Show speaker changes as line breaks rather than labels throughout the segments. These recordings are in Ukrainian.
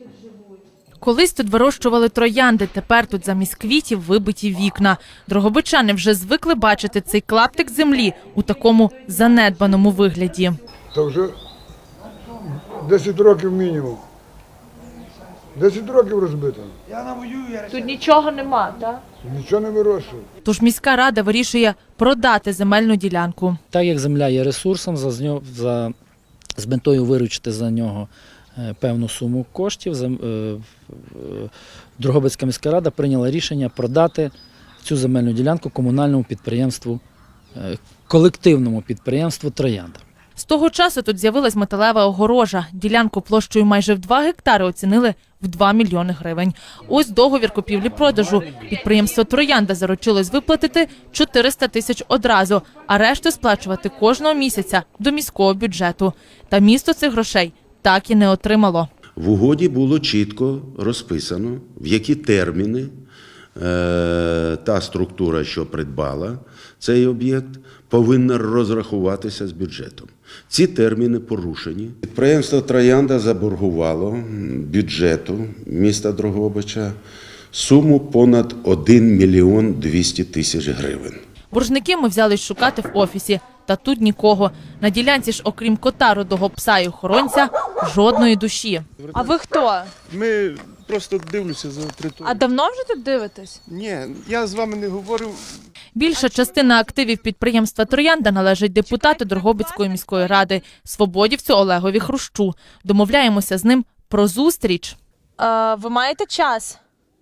Колись тут вирощували троянди, тепер тут замість квітів вибиті вікна. Дрогобичани вже звикли бачити цей клаптик землі у такому занедбаному вигляді.
Та вже 10 років мінімум. 10 років розбито.
Тут нічого нема, так?
Нічого не вирощує.
Тож міська рада вирішує продати земельну ділянку.
Так як земля є ресурсом, з метою виручити за нього певну суму коштів, Дрогобицька міська рада прийняла рішення продати цю земельну ділянку комунальному підприємству, колективному підприємству «Троянда».
З того часу тут з'явилась металева огорожа. Ділянку площею майже в 2 гектари оцінили в 2 мільйони гривень. Ось договір купівлі-продажу. Підприємство «Троянда» заручилось виплатити 400 тисяч одразу, а решту сплачувати кожного місяця до міського бюджету. Та місто цих грошей так і не отримало.
В угоді було чітко розписано, в які терміни та структура, що придбала цей об'єкт, повинна розрахуватися з бюджетом. Ці терміни порушені. Підприємство «Троянда» заборгувало бюджету міста Дрогобича суму понад 1 мільйон 200 тисяч гривень.
Боржники ми взялись шукати в офісі. Та тут нікого. На ділянці ж, окрім кота, рудого пса і охоронця, жодної душі.
А ви хто?
Ми просто дивлюся за територію.
А давно вже тут дивитесь?
Ні, я з вами не говорю.
Більша частина активів підприємства «Троянда» належить депутату Дрогобицької міської ради, свободівцю Олегові Хрущу. Домовляємося з ним про зустріч.
Ви маєте час?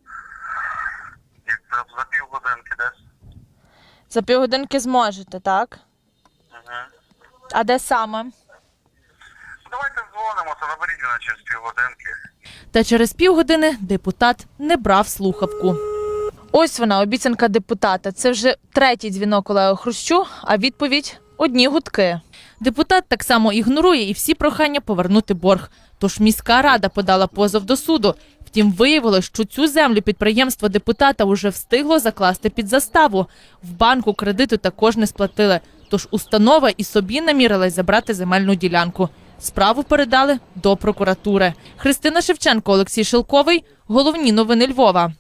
За півгодинки десь.
За півгодинки зможете, так? А де саме?
Давайте дзвонимося, наберіть мене через півгодинки.
Та через півгодини депутат не брав слухавку.
Ось вона, обіцянка депутата. Це вже третій дзвінок Олегу Хрущу, а відповідь – одні гудки.
Депутат так само ігнорує і всі прохання повернути борг. Тож міська рада подала позов до суду. Втім, виявилось, що цю землю підприємство депутата уже встигло закласти під заставу. В банку кредиту також не сплатили. Тож установа і собі намірилась забрати земельну ділянку. Справу передали до прокуратури. Христина Шевченко, Олексій Шилковий. Головні новини Львова.